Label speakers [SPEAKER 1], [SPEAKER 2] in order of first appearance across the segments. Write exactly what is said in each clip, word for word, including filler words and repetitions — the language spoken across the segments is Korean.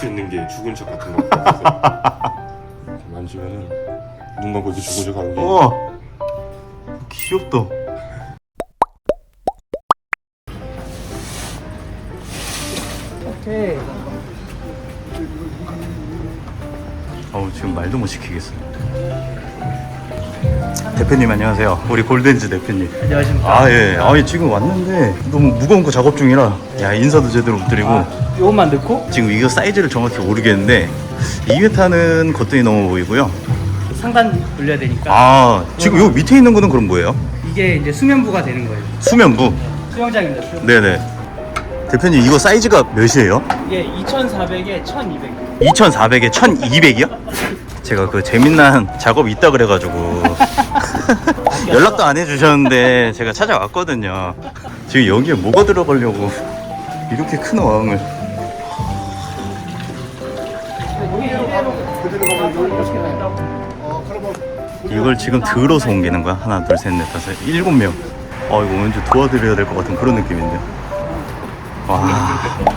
[SPEAKER 1] 수 있는 게 죽은 척 같은 거 같아요. 만지면은 눈 감고 이렇게 죽은 척 하는 게.
[SPEAKER 2] 어 귀엽다.
[SPEAKER 3] 오케이.
[SPEAKER 2] 어우 지금 말도 못 시키겠어. 대표님 안녕하세요. 우리 골든즈 대표님.
[SPEAKER 3] 안녕하십니까.
[SPEAKER 2] 아 예. 아 지금 왔는데 너무 무거운 거 작업 중이라 야 인사도 제대로 못 드리고.
[SPEAKER 3] 아, 요것만 넣고
[SPEAKER 2] 지금 이거 사이즈를 정확히 모르겠는데 이 회 타는 것들이 너무 보이고요.
[SPEAKER 3] 상단 올려야 되니까
[SPEAKER 2] 아 지금 요 밑에 있는 거는 그럼 뭐예요?
[SPEAKER 3] 이게 이제 수면부가 되는 거예요.
[SPEAKER 2] 수면부.
[SPEAKER 3] 수영장입니다. 수영장.
[SPEAKER 2] 네네. 대표님 이거 사이즈가 몇이에요?
[SPEAKER 3] 이게 이천사백에 천이백.
[SPEAKER 2] 이천사백에 천이백이요? 제가 그 재미난 작업 있다 그래가지고 연락도 안 해주셨는데 제가 찾아왔거든요. 지금 여기에 뭐가 들어가려고 이렇게 큰 어항을. 이걸 지금 들어서 옮기는 거야? 하나 둘 셋 넷 다섯 일곱 명. 어 이거 왠지 도와드려야 될 것 같은 그런 느낌인데. 와.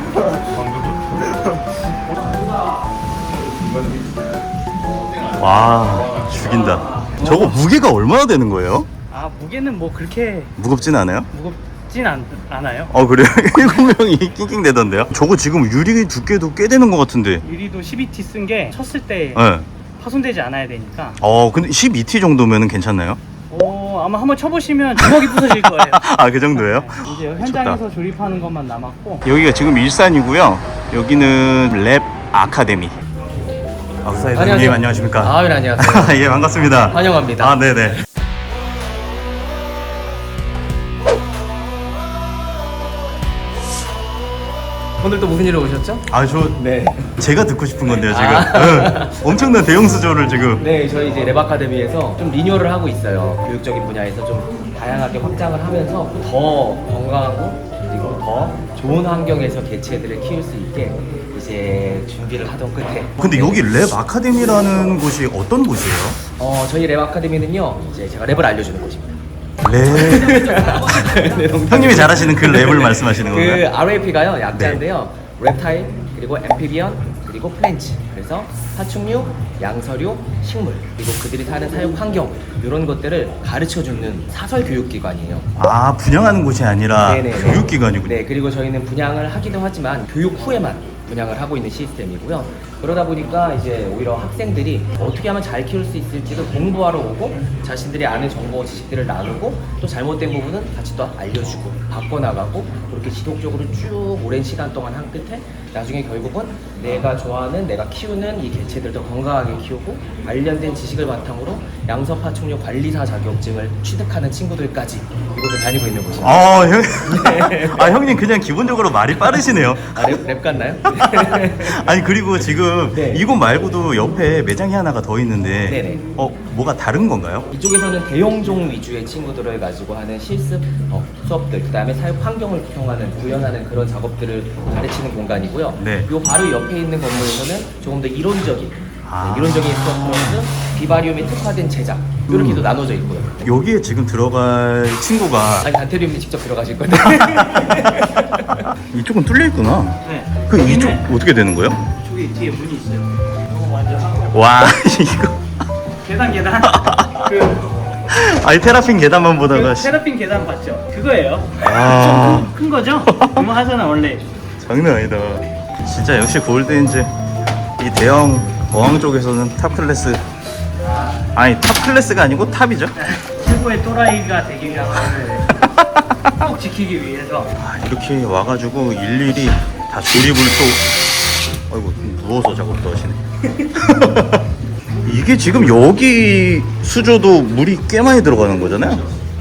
[SPEAKER 2] 와 죽인다. 저거 무게가 얼마나 되는 거예요?
[SPEAKER 3] 아 무게는 뭐 그렇게
[SPEAKER 2] 무겁진 않아요?
[SPEAKER 3] 무겁진 않, 않아요.
[SPEAKER 2] 어 그래요? 일곱 명이 낑낑대던데요? 저거 지금 유리 두께도 꽤 되는 것 같은데.
[SPEAKER 3] 유리도 십이 티 쓴 게 쳤을 때
[SPEAKER 2] 네.
[SPEAKER 3] 파손되지 않아야 되니까.
[SPEAKER 2] 어 근데 십이 티 정도면 괜찮나요?
[SPEAKER 3] 오 아마 한번 쳐보시면 주먹이 부서질 거예요.
[SPEAKER 2] 아 그 정도예요?
[SPEAKER 3] 이제 현장에서 조립하는 것만 남았고.
[SPEAKER 2] 여기가 지금 일산이고요. 여기는 랩 아카데미. 아, 사장님
[SPEAKER 4] 안녕하세요.
[SPEAKER 2] 안녕하십니까?
[SPEAKER 4] 아, 네, 안녕하세요.
[SPEAKER 2] 예 반갑습니다.
[SPEAKER 4] 환영합니다.
[SPEAKER 2] 아 네네.
[SPEAKER 4] 오늘 또 무슨 일로 오셨죠?
[SPEAKER 2] 아 저
[SPEAKER 4] 네.
[SPEAKER 2] 제가 듣고 싶은 건데요 지금.
[SPEAKER 4] 아.
[SPEAKER 2] 네. 엄청난 대형 수조를 지금.
[SPEAKER 4] 네, 저희 이제 랩 아카데미에서 좀 리뉴얼을 하고 있어요. 교육적인 분야에서 좀 다양하게 확장을 하면서 더 건강하고 그리고 더 좋은 환경에서 개체들을 키울 수 있게 이제 준비를 하던 끝에.
[SPEAKER 2] 근데 여기 랩 아카데미라는 곳이 어떤 곳이에요?
[SPEAKER 4] 어, 저희 랩 아카데미는요, 이제 제가 랩을 알려주는 곳입니다.
[SPEAKER 2] 랩.
[SPEAKER 4] 네, 농담이고요.
[SPEAKER 2] 형님이 잘하시는 그 랩을 말씀하시는
[SPEAKER 4] 그
[SPEAKER 2] 건가요?
[SPEAKER 4] 알에이피가요 약자인데요. reptile 그리고 amphibian 그리고 plants. 그래서 파충류, 양서류, 식물 그리고 그들이 사는 사육 환경 이런 것들을 가르쳐 주는 사설 교육 기관이에요.
[SPEAKER 2] 아 분양하는 곳이 아니라
[SPEAKER 4] 네네네.
[SPEAKER 2] 교육기관이군요.
[SPEAKER 4] 네, 그리고 저희는 분양을 하기도 하지만 교육 후에만 분양을 하고 있는 시스템이고요. 그러다 보니까 이제 오히려 학생들이 어떻게 하면 잘 키울 수 있을지를 공부하러 오고 자신들이 아는 정보 지식들을 나누고 또 잘못된 부분은 같이 또 알려주고 바꿔나가고 그렇게 지속적으로 쭉 오랜 시간 동안 한 끝에 나중에 결국은 내가 좋아하는 내가 키우는 이 개체들을 더 건강하게 키우고 관련된 지식을 바탕으로 양서 파충류 관리사 자격증을 취득하는 친구들까지 이곳을 다니고 있는 곳입니다.
[SPEAKER 2] 아, 형, 아 형님 그냥 기본적으로 말이 빠르시네요.
[SPEAKER 4] 아, 랩, 랩 같나요?
[SPEAKER 2] 아니 그리고 지금
[SPEAKER 4] 네.
[SPEAKER 2] 이곳 말고도 옆에 매장이 하나가 더 있는데
[SPEAKER 4] 네네.
[SPEAKER 2] 어 뭐가 다른 건가요?
[SPEAKER 4] 이쪽에서는 대용종 위주의 친구들을 가지고 하는 실습 어, 수업들, 그 다음에 사육 환경을 구성하는, 구현하는 그런 작업들을 가르치는 공간이고요.
[SPEAKER 2] 네.
[SPEAKER 4] 요 바로 옆에 있는 건물에서는 조금 더 이론적인,
[SPEAKER 2] 아.
[SPEAKER 4] 네, 이론적인 수업 플러스 비바리움에 특화된 제작, 이렇게도
[SPEAKER 2] 음.
[SPEAKER 4] 나눠져 있고요.
[SPEAKER 2] 여기에 지금 들어갈 친구가
[SPEAKER 4] 아니, 단테리움님 직접 들어가실 건데.
[SPEAKER 2] 이쪽은 뚫려 있구나.
[SPEAKER 3] 네.
[SPEAKER 2] 그 이쪽
[SPEAKER 3] 여기는
[SPEAKER 2] 어떻게 되는 거예요?
[SPEAKER 3] 저기 뒤에 문이 있어요. 이거 먼저 하고.
[SPEAKER 2] 와 이거
[SPEAKER 3] 계단 계단. 그,
[SPEAKER 2] 아니 테라핀 계단만
[SPEAKER 3] 그
[SPEAKER 2] 보다가 씨,
[SPEAKER 3] 테라핀 계단 봤죠? 그거예요.
[SPEAKER 2] 아.
[SPEAKER 3] 좀 큰 거죠? 그거 하잖아 원래.
[SPEAKER 2] 장난 아니다. 진짜 역시 골든즈 이 대형 어항 쪽에서는 탑 클래스. 아니 탑 클래스가 아니고 탑이죠.
[SPEAKER 3] 최고의 또라이가 되기 위한 거를 꼭 지키기 위해서.
[SPEAKER 2] 아, 이렇게 와가지고 일일이 다 조립을 또 아이고 누워서 작업도 하시네. 이게 지금 여기 수조도 물이 꽤 많이 들어가는 거잖아요.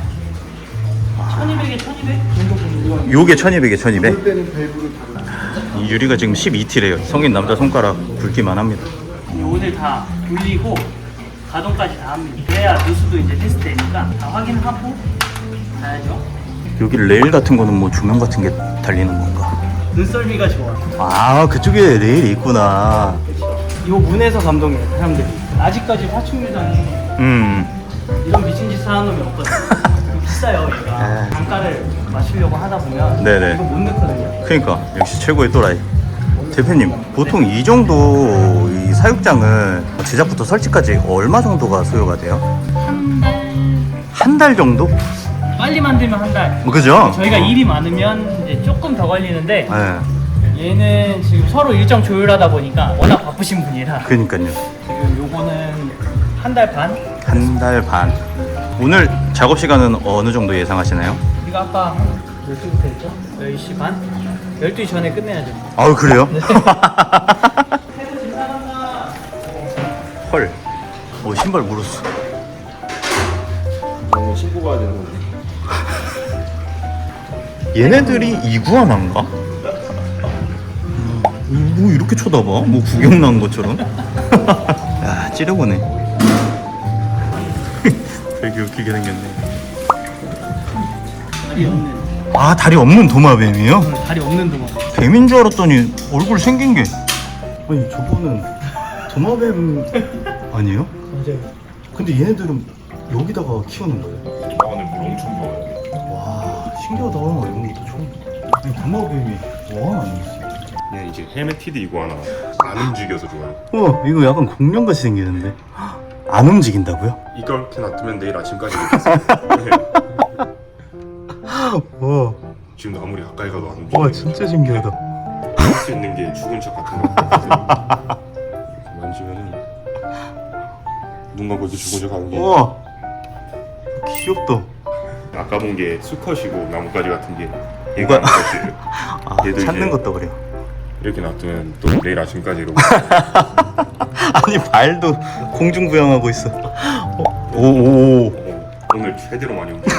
[SPEAKER 3] 천이백에 천이백 정도 보는
[SPEAKER 2] 요게 천이백에 천이백. 이 유리가 지금 십이 티래요. 성인 남자 손가락 굵기만 합니다.
[SPEAKER 3] 요것을 다 돌리고 가동까지 다 합니다. 그래야 누수도 이제 테스트되니까 다 확인하고 가야죠.
[SPEAKER 2] 여기 레일 같은 거는 뭐 조명 같은 게 달리는 건가?
[SPEAKER 3] 눈썰미가 좋아.
[SPEAKER 2] 아 그쪽에 레일이 있구나.
[SPEAKER 3] 요 문에서 감동해요 사람들이. 아직까지 파충류장에
[SPEAKER 2] 음.
[SPEAKER 3] 이런 미친 짓을 하는 놈이 없거든. 이거 비싸요 얘가.
[SPEAKER 2] 아.
[SPEAKER 3] 단가를 맞추려고 하다 보면
[SPEAKER 2] 네네.
[SPEAKER 3] 이거 못 넣거든요.
[SPEAKER 2] 그러니까 역시 최고의 또라이. 대표님, 보통 이 정도 이 사육장을 제작부터 설치까지 얼마 정도가 소요가 돼요?
[SPEAKER 3] 한 달
[SPEAKER 2] 한 달 정도?
[SPEAKER 3] 빨리 만들면 한 달.
[SPEAKER 2] 뭐 그죠?
[SPEAKER 3] 저희가 일이 많으면 이제 조금 더 걸리는데
[SPEAKER 2] 네,
[SPEAKER 3] 얘는 지금 서로 일정 조율하다 보니까 워낙 바쁘신 분이라
[SPEAKER 2] 그니까요.
[SPEAKER 3] 지금 요거는 한 달 반?
[SPEAKER 2] 한 달 반. 오늘 작업 시간은 어느 정도 예상하시나요?
[SPEAKER 3] 우리가 아까 한 몇 시부터 했죠? 열 시 반? 열두 시 전에 끝내야죠.
[SPEAKER 2] 아우, 그래요? 헐. 어, 신발 물었어.
[SPEAKER 1] 어, 신고 가야 되는 건데.
[SPEAKER 2] 얘네들이 이구아나인가? 뭐 이렇게 쳐다봐? 뭐 구경 난 것처럼? 야, 찌르고네. 되게 웃기게 생겼네.
[SPEAKER 3] 다리 없는.
[SPEAKER 2] 아, 다리 없는 도마뱀이에요?
[SPEAKER 3] 다리 없는 동안.
[SPEAKER 2] 뱀인 줄 알았더니 얼굴 생긴 게. 아니, 저거는 도마뱀 아니에요?
[SPEAKER 3] 맞아요.
[SPEAKER 2] 근데 얘네들은 여기다가 키우는 거예요?
[SPEAKER 1] 아, 오늘 물 엄청 좋아요.
[SPEAKER 2] 와, 신기하다. 이런 것도 처음. 아니, 도마뱀이 와, 아니었어요.
[SPEAKER 1] 얘 이제 헤메티드 이구아나. 안 움직여서 좋아요.
[SPEAKER 2] 어, 이거 약간 공룡같이 생기는데. 안 움직인다고요?
[SPEAKER 1] 이렇게 놔두면 내일 아침까지 이렇게 네.
[SPEAKER 2] 와,
[SPEAKER 1] 지금도 아무리 가까이 가도 안 움직여.
[SPEAKER 2] 와, 진짜 신기하다.
[SPEAKER 1] 할 수 있는 게 죽은 척 같은 거. 만지면은 눈 감고 이렇게 죽은 척 하는 게.
[SPEAKER 2] 와, 귀엽다.
[SPEAKER 1] 아까 본 게 수컷이고 나뭇가지 같은 게
[SPEAKER 2] 뭐가-
[SPEAKER 1] 얘가 나뭇가지예요.
[SPEAKER 2] 아,
[SPEAKER 1] 얘도
[SPEAKER 2] 찾는
[SPEAKER 1] 이제
[SPEAKER 2] 것도 그래요.
[SPEAKER 1] 이렇게 놔두면 또 내일 아침까지 이러고.
[SPEAKER 2] 아니, 발도 공중부양하고 있어. 어, 오, 오, 오.
[SPEAKER 1] 어, 오늘 최대로 많이 움직여.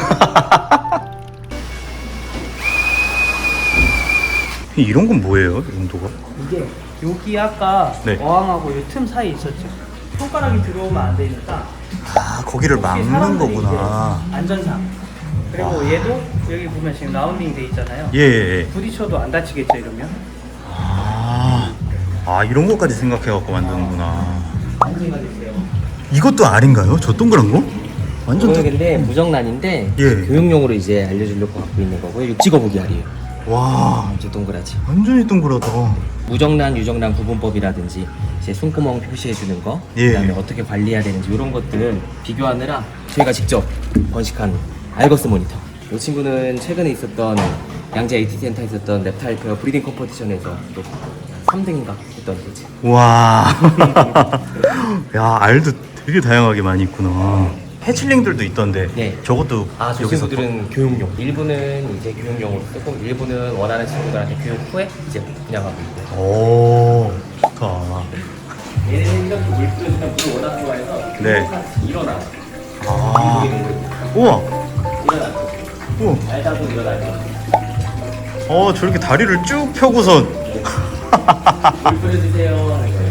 [SPEAKER 2] 이런 건 뭐예요? 이 정도가?
[SPEAKER 3] 이게 여기 아까
[SPEAKER 2] 네.
[SPEAKER 3] 어항하고 이 틈 사이 있었죠. 손가락이 들어오면 안 되니까
[SPEAKER 2] 아, 거기를
[SPEAKER 3] 혹시
[SPEAKER 2] 막는
[SPEAKER 3] 사람들이
[SPEAKER 2] 거구나.
[SPEAKER 3] 이제 안전상. 그리고 얘도 여기 보면 지금 라운딩 돼 있잖아요.
[SPEAKER 2] 예, 예, 예.
[SPEAKER 3] 부딪혀도 안 다치겠죠 이러면.
[SPEAKER 2] 아, 아, 이런 것까지 생각해갖고 만드는구나.
[SPEAKER 3] 안전가 됐어요.
[SPEAKER 2] 이것도 알인가요? 저 동그란 거? 완전 다...
[SPEAKER 4] 이거는 근데 무정란인데
[SPEAKER 2] 예.
[SPEAKER 4] 교육용으로 이제 알려주려고 갖고 있는 거고요. 이거 찍어보기 알이에요.
[SPEAKER 2] 와,
[SPEAKER 4] 아주 동그랗지.
[SPEAKER 2] 완전히 동그랗다.
[SPEAKER 4] 무정란, 유정란 구분법이라든지 이제 손구멍 표시해주는 거,
[SPEAKER 2] 예.
[SPEAKER 4] 그다음에 어떻게 관리해야 되는지 이런 것들 비교하느라 저희가 직접 번식한 알거스 모니터. 이 친구는 최근에 있었던 양재 에이티 센터에 있었던 랩타일 페어 브리딩 컴퍼티션에서 또 삼 등인가 했던 거지.
[SPEAKER 2] 와, 야, 알도 되게 다양하게 많이 있구나. 해칠링들도 있던데.
[SPEAKER 4] 네.
[SPEAKER 2] 저것도
[SPEAKER 4] 아, 저
[SPEAKER 2] 여기서
[SPEAKER 4] 친구들은 교육용. 일부는 이제 교육용으로 쓰고 일부는 원하는 친구들한테 교육 후에 이제 분양하고 있고.
[SPEAKER 2] 오, 좋다.
[SPEAKER 4] 얘는 이렇게 물 뿌려주면 물을 워낙 좋아해서
[SPEAKER 2] 네.
[SPEAKER 4] 일어나.
[SPEAKER 2] 아, 우와,
[SPEAKER 4] 일어나.
[SPEAKER 2] 우와.
[SPEAKER 4] 알다고 일어나죠.
[SPEAKER 2] 어, 저렇게 다리를 쭉 펴고선.
[SPEAKER 4] 물 뿌려주세요 하는 거예요.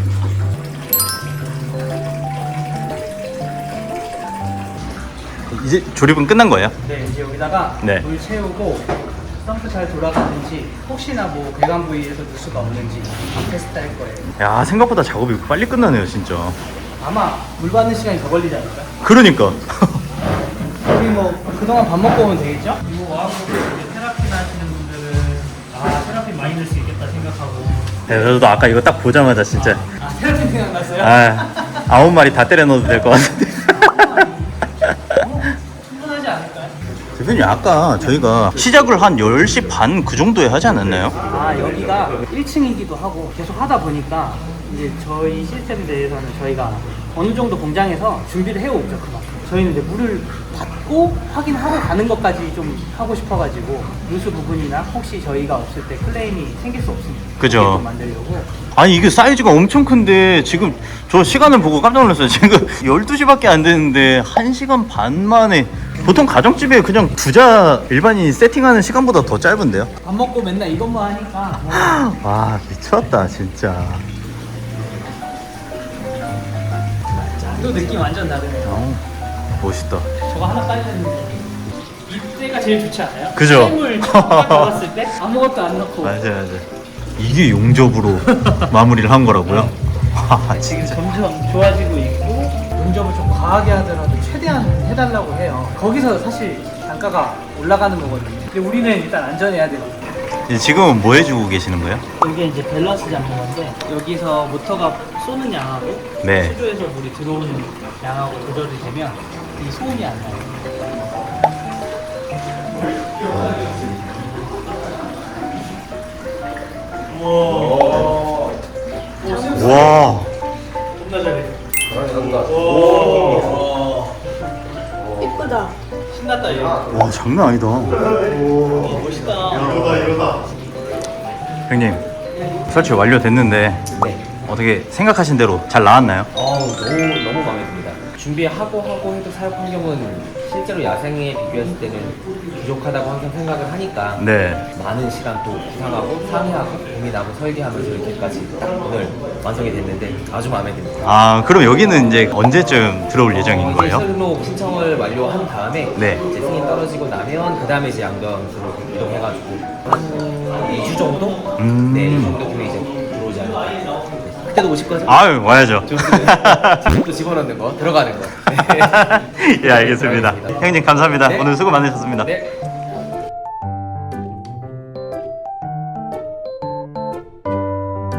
[SPEAKER 2] 이제 조립은 끝난 거예요?
[SPEAKER 3] 네, 이제 여기다가
[SPEAKER 2] 네.
[SPEAKER 3] 물 채우고 펌프 잘 돌아가는지 혹시나 뭐 배관 부위에서 누수가 없는지 테스트 할 거예요.
[SPEAKER 2] 야, 생각보다 작업이 빨리 끝나네요, 진짜.
[SPEAKER 3] 아마 물 받는 시간이 더 걸리지 않을까요?
[SPEAKER 2] 그러니까.
[SPEAKER 3] 우리 뭐 그동안 밥 먹고 오면 되겠죠? 이거 와갖고 이제 테라피나 하시는 분들은 아 테라피 많이 넣을 수 있겠다 생각하고
[SPEAKER 2] 네, 저도 아까 이거 딱 보자마자 진짜
[SPEAKER 3] 아 테라피 생각났어요?
[SPEAKER 2] 아, 아홉 마리 다 때려 넣어도 될 것 같은데.
[SPEAKER 3] 어, 충분하지 않을까요?
[SPEAKER 2] 대표님, 아까 저희가 시작을 한 열 시 반 그 정도에 하지 않았나요?
[SPEAKER 3] 아 여기가 일 층이기도 하고 계속 하다 보니까 이제 저희 시스템에 대해서는 저희가 어느 정도 공장에서 준비를 해오죠 그만큼. 저희는 이제 물을 받고 확인하고 가는 것까지 좀 하고 싶어가지고 누수 부분이나 혹시 저희가 없을 때 클레임이 생길 수 없으니까
[SPEAKER 2] 그죠.
[SPEAKER 3] 그렇게 좀 만들려고.
[SPEAKER 2] 아니, 이게 사이즈가 엄청 큰데 지금 저 시간을 보고 깜짝 놀랐어요. 지금 열두 시밖에 안 되는데 한 시간 반 만에. 보통 가정집에 그냥 두자 일반인 세팅하는 시간보다 더 짧은데요?
[SPEAKER 3] 밥 먹고 맨날 이것만 하니까 뭐
[SPEAKER 2] 와, 미쳤다 진짜.
[SPEAKER 3] 또 느낌 완전 다르네요.
[SPEAKER 2] 어, 멋있다.
[SPEAKER 3] 저거 하나 깔렸는데 이때가 제일 좋지 않아요?
[SPEAKER 2] 그죠?
[SPEAKER 3] 물 딱 잡았을 때 아무것도 안 넣고
[SPEAKER 2] 맞아요, 맞아요. 이게 용접으로 마무리를 한 거라고요? 와,
[SPEAKER 3] 지금
[SPEAKER 2] 진짜.
[SPEAKER 3] 점점 좋아지고 있고 용접을 좀 과하게 하더라도 최대한 해달라고 해요. 거기서 사실 단가가 올라가는 거거든요. 근데 우리는 일단 안전해야 되거든요.
[SPEAKER 2] 이제 지금은 뭐 해주고 계시는 거예요?
[SPEAKER 3] 이게 이제 밸런스 잡는 건데 여기서 모터가 쏘는 양하고
[SPEAKER 2] 네.
[SPEAKER 3] 수조에서 물이 들어오는 양하고 조절이 되면 이 소음이 안 나요.
[SPEAKER 2] 와.
[SPEAKER 5] 예쁘다.
[SPEAKER 3] 신났다 이거.
[SPEAKER 2] 와 장난 아니다.
[SPEAKER 3] 멋있다.
[SPEAKER 2] 형님 설치 완료됐는데
[SPEAKER 4] 네.
[SPEAKER 2] 어떻게 생각하신 대로 잘 나왔나요?
[SPEAKER 4] 어우, 너무 너무 마음에 듭니다. 준비하고 하고 해도 사육 환경은 실제로 야생에 비교했을 때는 부족하다고 항상 생각을 하니까
[SPEAKER 2] 네.
[SPEAKER 4] 많은 시간 또 구상하고 상의하고 고민하고 설계하면서 이렇게까지 딱 오늘 완성이 됐는데 아주 마음에 듭니다.
[SPEAKER 2] 아 그럼 여기는 이제 언제쯤 들어올 예정인
[SPEAKER 4] 어, 이제
[SPEAKER 2] 거예요?
[SPEAKER 4] 실로 신청을 완료한 다음에
[SPEAKER 2] 네.
[SPEAKER 4] 이제 승인 떨어지고 나면 그 다음에 이제 양변으로 이동해가지고 한 이 주 정도?
[SPEAKER 2] 음.
[SPEAKER 4] 네, 이 정도 후에 이제 들어오지 않을까. 네. 그때도 오실 거죠?
[SPEAKER 2] 아유 와야죠.
[SPEAKER 4] 지금도 집어넣는 거, 들어가는 거. 네.
[SPEAKER 2] 예 알겠습니다. 형님 감사합니다.
[SPEAKER 4] 네.
[SPEAKER 2] 오늘 수고 많으셨습니다.
[SPEAKER 4] 네.